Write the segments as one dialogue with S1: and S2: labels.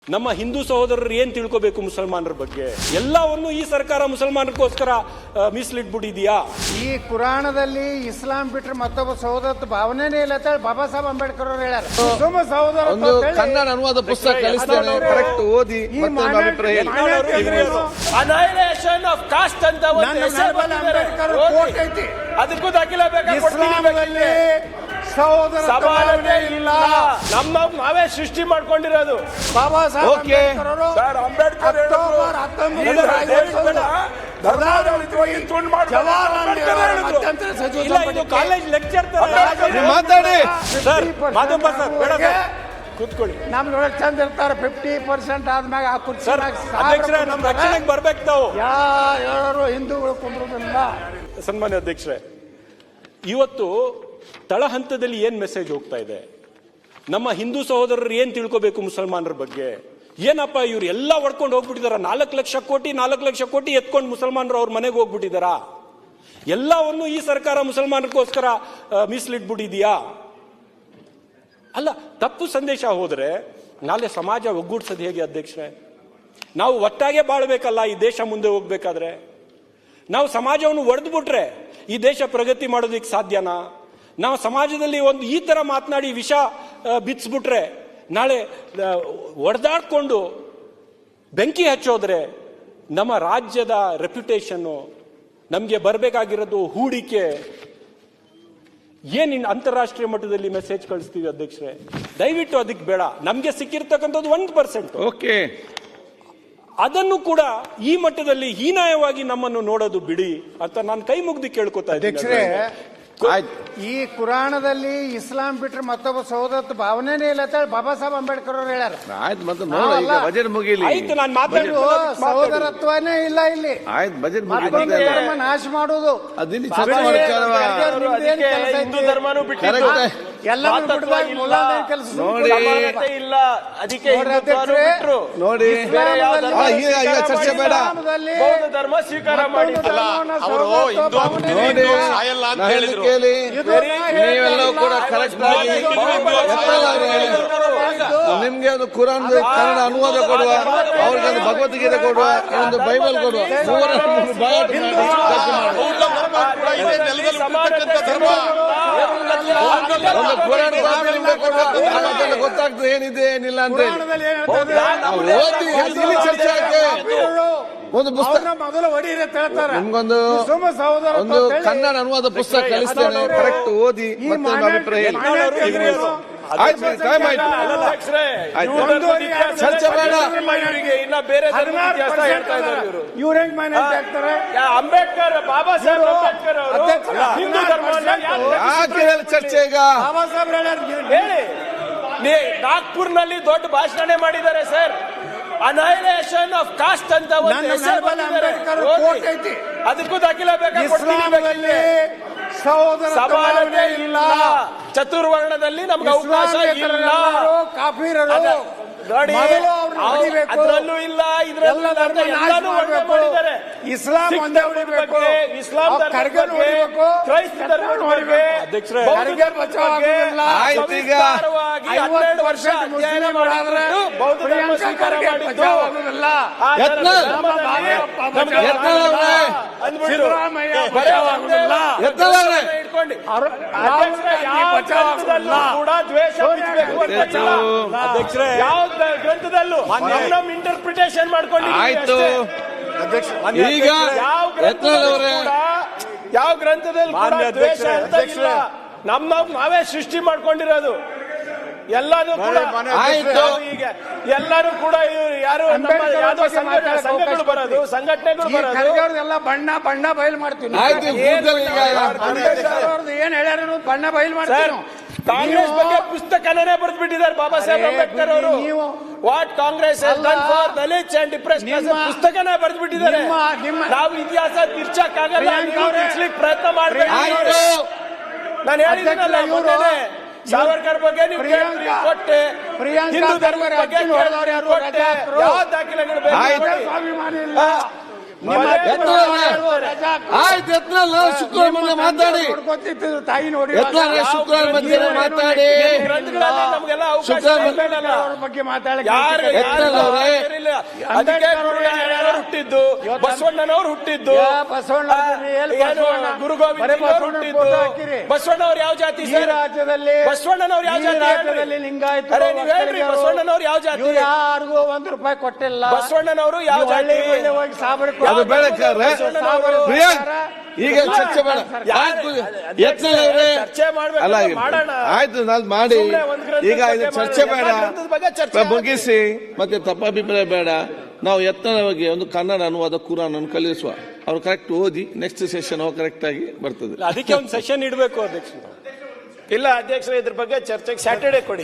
S1: ನಮ್ಮ ಹಿಂದೂ ಸಹೋದರರು ಏನ್ ತಿಳ್ಕೋಬೇಕು ಮುಸಲ್ಮಾನರ ಬಗ್ಗೆ? ಎಲ್ಲವನ್ನು ಈ ಸರ್ಕಾರ ಮುಸಲ್ಮಾನರಿಗೋಸ್ಕರ ಮೀಸಲಿಟ್ಬಿಟ್ಟಿದ್ಯಾ?
S2: ಈ ಕುರಾಣದಲ್ಲಿ ಇಸ್ಲಾಂ ಬಿಟ್ರೆ ಮತ್ತೊಬ್ಬ ಸಹೋದರತ್ವ ಭಾವನೆನೇ ಇಲ್ಲ ಅಂತ ಹೇಳಿ ಬಾಬಾ ಸಾಹೇಬ್ ಅಂಬೇಡ್ಕರ್ ಅವರು ಹೇಳ್ಯಾರ. ಸುಮ್ಮ ಸಹೋದರ
S3: ಒಂದು ಕನ್ನಡ ಅನುವಾದ ಪುಸ್ತಕ ಕಳಿಸ್ತೇನೆ, ಕರೆಕ್ಟ್ ಓದಿ ಮತ್ತೆ ಅಭಿಪ್ರಾಯ ಹೇಳಿ.
S4: ಅನೈಲೇಷನ್ ಆಫ್ ಕಾಸ್ಟ್ ಅಂತ ಒಂದು ಹೆಸರು ಬಂದಿದೆ. ಅದಕ್ಕೂ ದಾಖಲೆ ಬೇಕಾ?
S2: ಇಸ್ಲಾಂನಲ್ಲಿ ಸಹೋದರ
S4: ಸಮಾನತೆ ಇಲ್ಲ, ನಾವೇ ಸೃಷ್ಟಿ ಮಾಡ್ಕೊಂಡಿರೋದು.
S2: ಬಾಬಾ ಸಾಹೇಬ್ ಅಂಬೇಡ್ಕರ್ ಅವರು
S4: sir, Ambedkar
S2: October 1950
S1: college lecture
S3: ಮಾತಾಡಿ
S1: ಸರ್. ಮಾಧವ ಸರ್ ಬೇಡ ಸರ್, ಕೂತ್ಕೊಳ್ಳಿ.
S2: ನಮ್ದೊಳಗೆ ಚಂದ ಇರ್ತಾರೆ. 50% ಆದ್ಮ್ಯಾಗ ಆ ಕುರ್ಚಿ
S1: ಅಧ್ಯಕ್ಷರೇ, ನಮ್ಮ ರಕ್ಷಣೆಗೆ ಬರ್ಬೇಕು ತಾವು.
S2: ಯಾರು ಹಿಂದೂಗಳು ಕುಂದ್ರುದಿಲ್ಲ.
S1: ಸನ್ಮಾನ್ಯ ಅಧ್ಯಕ್ಷರೇ, ಇವತ್ತು ತಳ ಹಂತದಲ್ಲಿ ಏನ್ ಮೆಸೇಜ್ ಹೋಗ್ತಾ ಇದೆ? ನಮ್ಮ ಹಿಂದೂ ಸಹೋದರರು ಏನ್ ತಿಳ್ಕೋಬೇಕು ಮುಸಲ್ಮಾನರ ಬಗ್ಗೆ? ಏನಪ್ಪ ಇವ್ರು ಎಲ್ಲ ಹೊಡ್ಕೊಂಡು ಹೋಗ್ಬಿಟ್ಟಿದಾರ? 4 ಲಕ್ಷ ಕೋಟಿ ಎತ್ಕೊಂಡು ಮುಸಲ್ಮಾನರು ಅವ್ರ ಮನೆಗೆ ಹೋಗ್ಬಿಟ್ಟಿದಾರ. ಎಲ್ಲವನ್ನು ಈ ಸರ್ಕಾರ ಮುಸಲ್ಮಾನರಿಗೋಸ್ಕರ ಮೀಸಲಿಟ್ಬಿಟ್ಟಿದ್ಯಾ? ಅಲ್ಲ, ತಪ್ಪು ಸಂದೇಶ ಹೋದ್ರೆ ನಾಳೆ ಸಮಾಜ ಒಗ್ಗೂಡ್ಸೋದು ಹೇಗೆ ಅಧ್ಯಕ್ಷರೇ? ನಾವು ಒಟ್ಟಾಗೆ ಬಾಳ್ಬೇಕಲ್ಲ ಈ ದೇಶ ಮುಂದೆ ಹೋಗ್ಬೇಕಾದ್ರೆ. ನಾವು ಸಮಾಜವನ್ನು ಒಡೆದ್ಬಿಟ್ರೆ ಈ ದೇಶ ಪ್ರಗತಿ ಮಾಡೋದಕ್ಕೆ ಸಾಧ್ಯನಾ? ನಾವು ಸಮಾಜದಲ್ಲಿ ಒಂದು ಈ ತರ ಮಾತನಾಡಿ ವಿಷ ಬಿಚ್ಚಿಬಿಟ್ರೆ ನಾಳೆ ಒಡೆದಾಡ್ಕೊಂಡು ಬೆಂಕಿ ಹಚ್ಚೋದ್ರೆ ನಮ್ಮ ರಾಜ್ಯದ ರೆಪ್ಯುಟೇಷನ್ನು, ನಮಗೆ ಬರಬೇಕಾಗಿರೋದು ಹೂಡಿಕೆ, ಏನ್ ಅಂತಾರಾಷ್ಟ್ರೀಯ ಮಟ್ಟದಲ್ಲಿ ಮೆಸೇಜ್ ಕಳಿಸ್ತೀವಿ ಅಧ್ಯಕ್ಷರೇ? ದಯವಿಟ್ಟು ಅದಕ್ಕೆ ಬೇಡ. ನಮ್ಗೆ ಸಿಕ್ಕಿರ್ತಕ್ಕಂಥದ್ದು 1%.
S3: ಓಕೆ,
S1: ಅದನ್ನು ಕೂಡ ಈ ಮಟ್ಟದಲ್ಲಿ ಹೀನಾಯವಾಗಿ ನಮ್ಮನ್ನು ನೋಡೋದು ಬಿಡಿ ಅಂತ ನಾನು ಕೈ ಮುಗ್ದು ಕೇಳ್ಕೊತಾ
S2: ಅಧ್ಯಕ್ಷರೇ,
S1: ಇದ್ದೀನಿ.
S2: ಈ ಕುರಾಣದಲ್ಲಿ ಇಸ್ಲಾಂ ಬಿಟ್ರೆ ಮತ್ತೊಬ್ಬ ಸಹೋದರತ್ವ ಭಾವನೆನೇ ಇಲ್ಲ ಅಂತ ಹೇಳಿ ಬಾಬಾ ಸಾಹೇಬ್ ಅಂಬೇಡ್ಕರ್ ಅವರು ಹೇಳ್ಯಾರ.
S3: ಆಯ್ತು, ಮತ್ತೆ ನೋಡ ಈಗ ಬಜೆಟ್ ಮುಗಿಲಿ.
S1: ಆಯ್ತು, ನಾನು ಮಾತಾಡೋದು
S2: ಸಹೋದರತ್ವನೇ ಇಲ್ಲ ಇಲ್ಲಿ.
S3: ಆಯ್ತು, ಬಜೆಟ್
S2: ಮತ್ತೊಂದು ಧರ್ಮ ನಾಶ ಮಾಡುವುದು.
S3: ಅದಿಲ್ಲಿ ಚರ್ಚೆ ಮಾಡ್ಕೊಳ್ಳುವ.
S4: ಹಿಂದೂ ಧರ್ಮನೂ ಬಿಟ್ಟಿದ್ದು
S3: ಕರೆಕ್ಟ್.
S2: ಎಲ್ಲರೂ ಬಿಡದಾಗ ಮುಲಾಂದೇನ್ ಕೆಲಸ
S3: ನೋಡಿ
S4: ಇಲ್ಲ, ಅದಕ್ಕೆ ಹಿಂದುತ್ವನೂ ಬಿಟ್ರು.
S3: ನೋಡಿ, ಈಗ ಚರ್ಚೆ ಬೇಡ.
S4: ಬೌದ್ಧ ಧರ್ಮ ಸ್ವೀಕಾರ ಮಾಡಿದ್ದಲ್ಲ ಅವರು.
S3: ನೋಡಿ, ನಾನು ಕೇಳಿ, ನೀವೆಲ್ಲವೂ ಕೂಡ ಕರೆಕ್ಟ್ ಆಗಿ ನಿಮ್ಗೆ ಒಂದು ಕುರಾನ್ ಕನ್ನಡ ಅನುವಾದ ಕೊಡುವ, ಅವ್ರಿಗೆ ಒಂದು ಭಗವದ್ಗೀತೆ ಕೊಡುವ, ಒಂದು ಬೈಬಲ್ ಕೊಡುವ, ಮೂವರನ್ನು ಬಾಯಾಟ ಒಂದು ಕುರಾನ್ ಕೊಡುವ, ಗೊತ್ತಾಗ್ತದೆ ಏನಿದೆ ಏನಿಲ್ಲ ಅಂತ ಹೇಳಿ. ಓದಿ, ಇಲ್ಲಿ ಚರ್ಚೆ ಹಾಕಿ ಒಂದು ಪುಸ್ತಕ
S2: ಮೊದಲು ಹೊಡೀರಿ ಅಂತ ಹೇಳ್ತಾರೆ.
S3: ನಿಮ್ಗೊಂದು ಒಂದು ಕನ್ನಡ ಅನುವಾದ ಪುಸ್ತಕ ಕಳಿಸ್ತೇನೆ, ಕರೆಕ್ಟ್ ಓದಿ ಮತ್ತೆ ಅಭಿಪ್ರಾಯ ಹೇಳಿ. ಆಯ್ತು, ಟೈಮ್ ಆಯ್ತು, ಚರ್ಚೆ ಬೇಡ.
S4: ಇನ್ನ ಬೇರೆ ಇತಿಹಾಸ ಹೇಳ್ತಾ ಇದ್ದಾರೆ ಇವರು.
S2: ಇವ್ರು ಹೆಂಗ್ ಮೈನಾರಿಟಿ ಆಗ್ತಾರೆ?
S4: ಅಂಬೇಡ್ಕರ್, ಬಾಬಾ ಸಾಹೇಬ್ ಅಂಬೇಡ್ಕರ್ ಅವರು ಹಿಂದೂ ಧರ್ಮವನ್ನ
S3: ಯಾಕೆ ಹೇಳಿ ಚರ್ಚೆ ಈಗ?
S2: ಬಾಬಾ ಸಾಹೇಬ್
S4: ಹೇಳಿ. ನಾಗ್ಪುರ್ನಲ್ಲಿ ದೊಡ್ಡ ಭಾಷಣ ಮಾಡಿದ್ದಾರೆ ಸರ್. ಅನೈಲೇಷನ್ ಆಫ್ ಕಾಸ್ಟ್ ಅಂತ ಒಂದು ಹೆಸರು ಬಂದಿದೆ. ಅದಕ್ಕೂ ದಾಖಲೆ ಬೇಕಾ?
S2: ಇಸ್ಲಾಂನಲ್ಲಿ ಸಹೋದರ
S4: ಸಮಾನತೆ ಇಲ್ಲ, ಚತುರ್ವರ್ಣದಲ್ಲಿ ನಮ್ಗೆ ಅವಕಾಶ ಇಲ್ಲ.
S2: ಕಾಫಿರರು
S4: ನೋಡಿ, ಅದರಲ್ಲೂ ಇಲ್ಲ, ಇದರಲ್ಲೂ ಎಲ್ಲಾನು ಮಾಡಿದ್ದಾರೆ.
S2: ಇಸ್ಲಾಂ ಒಂದೇ ಹೊಡಿಬೇಕು,
S4: ಇಸ್ಲಾಂ ಧರ್ಮದ ಬಗ್ಗೆ, ಕ್ರೈಸ್ತ ಧರ್ಮದ ಬಗ್ಗೆ, ಬೌದ್ಧ ಬಗ್ಗೆ
S3: ಆಯ್ತು. ಈಗ
S4: 12 ವರ್ಷ ಅಧ್ಯಯನ ಮಾಡಿದ್ರೆ ಬೌದ್ಧ ಧರ್ಮ ಸ್ವೀಕಾರ ಮಾಡಿದ್ದು ಇಟ್ಕೊಂಡು ಕೂಡ ದ್ವೇಷ
S1: ಅಧ್ಯಕ್ಷರೇ,
S4: ಯಾವ ಗ್ರಂಥದಲ್ಲೂ ನಮ್ಮ ಇಂಟರ್ಪ್ರಿಟೇಷನ್
S3: ಆಯ್ತು. ಈಗ
S4: ಯಾವ ಗ್ರಂಥದಲ್ಲಿ ಕೂಡ ದ್ವೇಷ ಅಂತ ಇಲ್ಲ, ನಾವೇ ಸೃಷ್ಟಿ ಮಾಡ್ಕೊಂಡಿರೋದು. ಎಲ್ಲಾನು ಕೂಡ
S3: ಆಯ್ತು.
S4: ಈಗ ಎಲ್ಲರೂ ಕೂಡ ಯಾರು ಯಾವ್ದೋ ಸಂಘಟನೆಗಳು ಬರೋದು, ಸಂಘಟನೆಗಳು ಬರೋದು
S2: ಎಲ್ಲ ಬಣ್ಣ ಬಯಲು ಮಾಡ್ತೀವಿ.
S3: ಆಯ್ತು,
S2: ಏನ್ ಹೇಳ್ಯಾರ ಬಣ್ಣ ಬಯಲು ಮಾಡ್ತೀವಿ.
S4: ಕಾಂಗ್ರೆಸ್ ಬಗ್ಗೆ ಪುಸ್ತಕನೇ ಬರೆದು ಬಿಟ್ಟಿದ್ದಾರೆ ಬಾಬಾ ಸಾಹೇಬ್ ಅಂಬೇಡ್ಕರ್ ಅವರು. What Congress for Dalits and depressed ಪುಸ್ತಕನೇ ಬರೆದು ಬಿಟ್ಟಿದ್ದಾರೆ. ನಾವು ಇತಿಹಾಸ ತಿರ್ಚಕ್ಕಾಗಲ್ಲ, ಪ್ರಯತ್ನ ಮಾಡಬೇಕು. ನಾನು ಹೇಳಿದ್ದೀನಲ್ಲ ಮೊನ್ನೆ, ಸಾವರ್ಕರ್ ಬಗ್ಗೆ ನೀವು ಕೊಟ್ಟೆ, ಹಿಂದೂ ಧರ್ಮದ ಬಗ್ಗೆ ಕೊಟ್ಟೆ, ಯಾವ ದಾಖಲೆಗಳು ಬೇಕು?
S3: ಆಯ್ತು ಯತ್ನಾಳ್ ನಾನು ಶುಕ್ರವಾರ ಮೊನ್ನೆ ಮಾತಾಡಿ
S2: ತಾಯಿ ನೋಡಿ
S3: ಯತ್ನಾಳ್ ಶುಕ್ರವಾರ ಮಧ್ಯಾಹ್ನ ಮಾತಾಡಿ
S4: ಗ್ರಂಥಗಳಲ್ಲಿ ನಮಗೆಲ್ಲ ಅವಕಾಶ ಬೇಡಲ್ಲ.
S2: ಅವ್ರ ಬಗ್ಗೆ
S3: ಯತ್ನಾಳ್ ಅವರೇ
S4: ಹುಟ್ಟಿದ್ದು ಬಸವಣ್ಣನವ್ರು ಹುಟ್ಟಿದ್ದು
S2: ಬಸವಣ್ಣ
S4: ಏನು ಗುರು ಗೋವಿಂದ ಹುಟ್ಟಿದ್ದು ಬಸವಣ್ಣವ್ರು ಯಾವ ಜಾತಿ
S2: ಈ ರಾಜ್ಯದಲ್ಲಿ
S4: ಬಸವಣ್ಣನವ್ರು ಯಾವ ಜಾತಿ
S2: ರಾಜ್ಯದಲ್ಲಿ ಲಿಂಗಾಯತ
S4: ಅರೆ ನೀವ್ ಹೇಳ್ರಿ ಬಸವಣ್ಣನವ್ರು ಯಾವ ಜಾತಿ
S2: ಯಾರಿಗೂ ₹1 ಕೊಟ್ಟಿಲ್ಲ.
S4: ಬಸವಣ್ಣನವರು ಯಾವ ಜಾತಿ
S2: ಹೋಗಿ ಸಾಬರಿ
S3: ಅದು ಬೆಳಕಾರೆ ಪ್ರಿಯಾಂಕ್ ಈಗ ಚರ್ಚೆ ಬೇಡ ಆಯ್ತು ಯತ್ನಾಳ್ ಅವರೇ
S4: ಚರ್ಚೆ
S3: ಅಲ್ಲ
S4: ಮಾಡೋಣ
S3: ಆಯ್ತು ನಾನು ಮಾಡಿ ಈಗ ಇದು ಚರ್ಚೆ ಬೇಡ
S4: ಚರ್ಚೆ
S3: ಮುಗಿಸಿ ಮತ್ತೆ ತಪ್ಪಾಭಿಪ್ರಾಯ ಬೇಡ. ನಾವು ಯತ್ನಾಳ್ ಬಗ್ಗೆ ಒಂದು ಕನ್ನಡ ಅನುವಾದ ಕುರಾನ್ ಅನ್ನು ಕಲಿಸುವ ಅವ್ರು ಕರೆಕ್ಟ್ ಓದಿ ನೆಕ್ಸ್ಟ್ ಸೆಷನ್ ಕರೆಕ್ಟ್ ಆಗಿ ಬರ್ತದೆ.
S1: ಅದಕ್ಕೆ ಒಂದು ಸೆಷನ್ ಇಡಬೇಕು ಅಧ್ಯಕ್ಷ.
S4: ಇಲ್ಲ ಅಧ್ಯಕ್ಷರೇ ಇದ್ರ ಬಗ್ಗೆ ಚರ್ಚೆಗೆ ಸ್ಯಾಟರ್ಡೆ ಕೊಡಿ.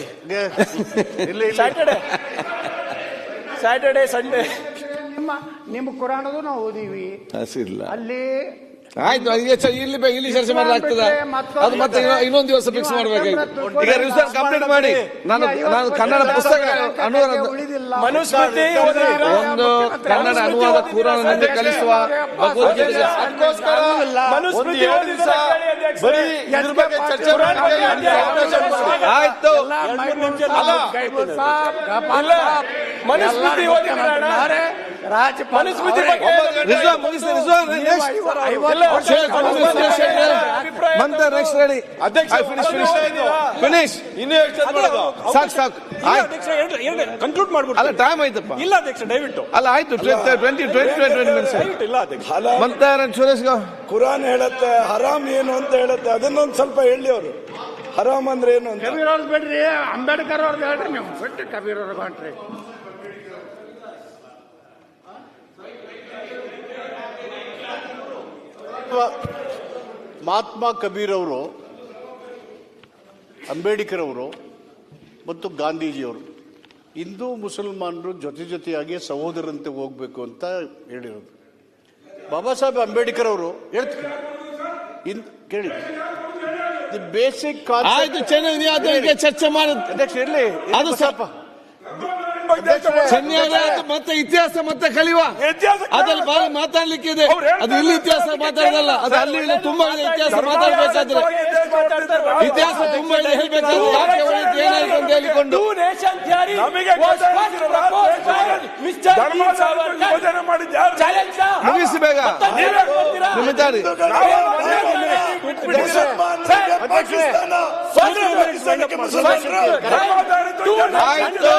S4: ಸ್ಯಾಟರ್ಡೆ ಸಂಡೇ
S2: ನಿಮ್ಮ ಕುರಾನದು ನಾವು ಓದಿವಿ
S3: ಹಸಿಲ್ಲ
S2: ಅಲ್ಲಿ.
S3: ಆಯ್ತು ಇಲ್ಲಿ ಚರ್ಚೆ ಮಾಡಲಾಗ್ತದ ಅದು ಮತ್ತೆ ಇನ್ನೊಂದು ದಿವಸ ಫಿಕ್ಸ್ ಮಾಡ್ಬೇಕಾಯ್ತು. ಈಗ ರಿಸರ್ಚ್ ಕಂಪ್ಲೀಟ್ ಮಾಡಿ ನಾನು ಕನ್ನಡ ಪುಸ್ತಕ ಅನುವಾದ
S4: ಮನುಸ್ಮೃತಿ
S3: ಒಂದು ಕನ್ನಡ ಅನುವಾದ ಕುರಾನ್ ಅನ್ನು ಕಲಿಸುವ ಭಗವದ್ಗೀತೆ
S4: ಮನುಸ್ಮೃತಿ
S3: ಬರೀ ಇದ್ರ ಬಗ್ಗೆ ಚರ್ಚೆ ಆಯ್ತು.
S4: ಮನುಸ್ಮೃತಿ ಮನುಸ್ಮೃತಿ
S3: ರಿಜ್ವಾನ್ ಮುಗಿಸಿ ರಿಜ್ವಾನ್ ನೆಕ್ಸ್ಟ್ ರೆಡಿ ಫಿನಿಶ್ ಇನ್ನು ಸಾಕು
S1: ಕನ್ಕ್ಲೂಡ್ ಮಾಡ್ಬಿಟ್ಟು
S3: ಅಲ್ಲ ಟೈಮ್ ಆಯ್ತಪ್ಪ.
S1: ಇಲ್ಲ ಅಧ್ಯಕ್ಷ ದಯವಿಟ್ಟು
S3: ಅಲ್ಲ ಆಯ್ತು 20 ಮಿನಿಟ್ಸ್
S1: ಇಲ್ಲ ಅಧ್ಯಕ್ಷ.
S3: ಮಂತಾರ ಸುರೇಶ್
S5: ಕುರಾನ್ ಹೇಳತ್ತೆ ಹರಾಮ್ ಏನು ಅಂತ ಹೇಳುತ್ತೆ, ಅದನ್ನೊಂದು ಸ್ವಲ್ಪ ಹೇಳಿ ಅವರು. ಹರಾಮ್ ಅಂದ್ರೆ ಏನು ಅಂತ.
S2: ಕಬೀರ್ ಅವ್ರದ್ದು ಬಿಡ್ರಿ, ಅಂಬೇಡ್ಕರ್ ಅವ್ರದ್ದು ಹೇಳ್ರಿ ನೀವು. ಬಿಟ್ಟು ಕಬೀರ್ ಅವ್ರಿಗೆ ಹೊಂಟ್ರಿ.
S6: ಮಹಾತ್ಮ ಕಬೀರ್ ಅವರು, ಅಂಬೇಡ್ಕರ್ ಅವರು ಮತ್ತು ಗಾಂಧೀಜಿಯವರು ಹಿಂದೂ ಮುಸಲ್ಮಾನರು ಜೊತೆಯಾಗಿ ಸಹೋದರಂತೆ ಹೋಗ್ಬೇಕು ಅಂತ ಹೇಳಿರೋದು. ಬಾಬಾ ಸಾಹೇಬ್ ಅಂಬೇಡ್ಕರ್ ಅವರು ಹೇಳ್ತಾರೆ ಕೇಳಿ, ದಿ ಬೇಸಿಕ್
S3: ಆಯ್ತು ಚೆನ್ನಾಗಿ ಅದಕ್ಕೆ ಚರ್ಚೆ ಮಾಡೋದು
S6: ಅಧ್ಯಕ್ಷ ಇರಲಿ
S3: ಅದು ಸ್ವಲ್ಪ ಮತ್ತೆ ಇತಿಹಾಸ ಮತ್ತೆ ಕಲಿಯುವ ಅದ್ರಲ್ಲಿ ಬಹಳ ಮಾತಾಡ್ಲಿಕ್ಕೆ ಇದೆ. ಅದು ಇಲ್ಲಿ ಇತಿಹಾಸ ಮಾತಾಡೋದಲ್ಲ, ಅದು ಅಲ್ಲಿ ಇಲ್ಲಿ ತುಂಬಾ ಇದೆ ಇತಿಹಾಸ ಮಾತಾಡ್ಬೇಕಾದ್ರೆ. ಇತಿಹಾಸ ತುಂಬಾ ಇದೆ ಹೇಳ್ಬೇಕಾದ್ರೆ ಯಾಕೆ ಹೊರತು ಏನಾಯ್ತು ಅಂತ ಹೇಳಿಕೊಂಡು ಮುಗಿಸಿ ಬೇಗ ನಿಮಿತಾಡಿ. ಆಯ್ತು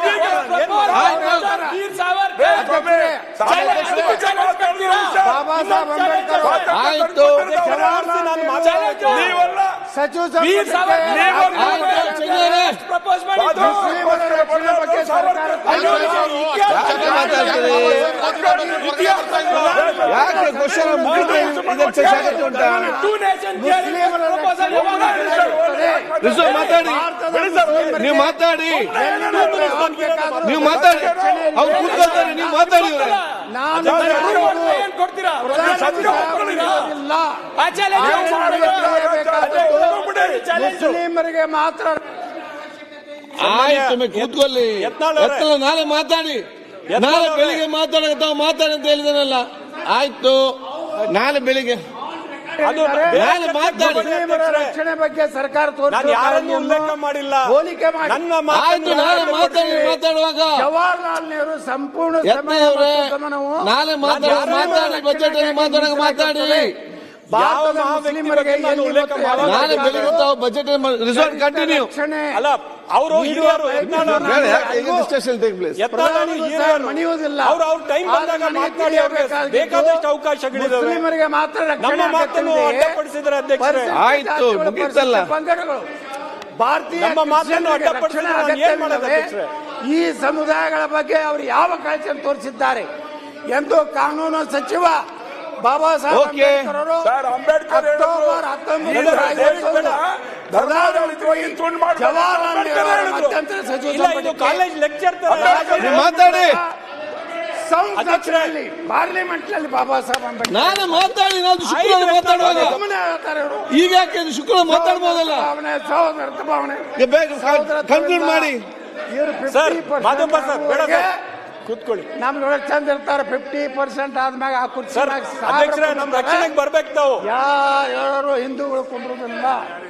S3: ಆಯ್ತು
S2: ಸಚಿವ
S3: ಯಾಕೆ ಕ್ವಶನ್ ಉಂಟಾ ಮಾತಾಡಿ ನೀವು ಮಾತಾಡಿ ನೀವು ಮಾತಾಡಿ ಅವ್ರು ಕೂತ್ಕೊಳ್ತಾರೆ ನೀವು ಮಾತಾಡಿ.
S2: ಮುಸ್ಲಿಮರಿಗೆ ಮಾತ್ರ
S3: ಆಯ್ತು ಕೂತ್ಕೊಳ್ಳಿ. ನಾಳೆ ಮಾತಾಡಿ, ನಾಳೆ ಬೆಳಿಗ್ಗೆ ಮಾತಾಡಿ ಅಂತ ಹೇಳಿದಾನಲ್ಲ. ಆಯ್ತು ನಾಳೆ ಬೆಳಿಗ್ಗೆ
S2: ರಕ್ಷಣೆ ಬಗ್ಗೆ ಸರ್ಕಾರ
S1: ಉಲ್ಲೇಖ ಮಾಡಿಲ್ಲ,
S2: ಹೋಲಿಕೆ ಮಾಡಿ.
S3: ಆಯ್ತು ನಾಳೆ ಮಾತಾಡುವಾಗ
S2: ಜವಾಹರ್ಲಾಲ್ ನೆಹರು ಸಂಪೂರ್ಣ
S3: ನಾಳೆ ಮಾತಾಡಿ ಬಜೆಟ್ ಮಾತಾಡುವಾಗ ಮಾತಾಡಿ.
S2: ಮುಸ್ಲಿಮರಿಗೆ
S3: ನಾಳೆ ಬೆಳಿಗ್ಗೆ ತಾವು ಬಜೆಟ್ ರಿಸಲ್ಟ್ ಕಂಟಿನ್ಯೂ
S1: ಅಲ್ಲ ಅವರು ಹಿರಿಯರು
S2: ಮಣಿಯುವುದಿಲ್ಲ.
S1: ಅವ್ರ ಟೈಮ್ ಬಂದಾಗ ಮಾತನಾಡಿ, ಬೇಕಾದಷ್ಟು ಅವಕಾಶಗಳಿದಾವೆ.
S2: ಮುಸ್ಲಿಮರಿಗೆ ಮಾತ್ರ
S1: ನಮ್ಮ ಮಾತನ್ನು ಅಡ್ಡಪಡಿಸಿದ್ರೆ ಅಧ್ಯಕ್ಷರೇ
S3: ಆಯ್ತು ಮುಗಿತಲ್ಲ.
S2: ಭಾರತೀಯ
S1: ನಮ್ಮ ಮಾತನ್ನು ಅಡ್ಡಪಡಿಸಿದ್ರೆ ನಾನು ಏನ್ ಮಾಡೋದು ಅಧ್ಯಕ್ಷರೇ?
S2: ಈ ಸಮುದಾಯಗಳ ಬಗ್ಗೆ ಅವರು ಯಾವ ಕಾಳಜಿಯನ್ನು ತೋರಿಸಿದ್ದಾರೆ ಎಂದು ಕಾನೂನು ಸಚಿವ ಬಾಬಾ ಸಾಹೇಬ್ ಅಂಬೇಡ್ಕರ್ ಅವರು ಅಕ್ಟೋಬರ್ 1950 ಜವಾಹರ್ಲಾಲ್ ನೆಹರು ಮಧ್ಯಂತರ ಸಚಿವ
S1: ಕಾಲೇಜ್ ಲೆಕ್ಚರ್
S3: ಮಾತಾಡಿ
S2: ಸಂಸತ್ನಲ್ಲಿ ಪಾರ್ಲಿಮೆಂಟ್ ನಲ್ಲಿ ಬಾಬಾ ಸಾಹೇಬ್ ಅಂಬೇಡ್ಕರ್
S3: ನಾನು ಮಾತಾಡಿ. ನಾನು ಶುಕ್ರವಾರ ಮಾತಾಡುವಾಗ ಈಗ ಯಾಕೆ ಶುಕ್ರವಾರ ಮಾತಾಡ್ಬೋದಲ್ಲ.
S2: ಸಹೋದರತ್ವ ಭಾವನೆ
S3: ಕನ್ಕ್ಲೂಡ್ ಮಾಡಿ
S1: ಸರ್. ಮಾಧವ ಸರ್ ಬೇಡ ಸರ್. ಕೂತ್ಕೊಳ್ಳಿ.
S2: ನಮ್ಗೆ ಚಂದ ಇರ್ತಾರೆ 50% ಆದ್ಮ್ಯಾಗ ಆ ಕುರ್ಚಿ
S1: ಸರ್ ಅಧ್ಯಕ್ಷರೇ, ನಮ್ಮ ರಕ್ಷಣೆಗೆ ಬರ್ಬೇಕು ತಾವು.
S2: ಯಾರು ಹೇಳೋರು ಹಿಂದೂಗಳು ಕುಂದ್ರುದಿಲ್ಲ.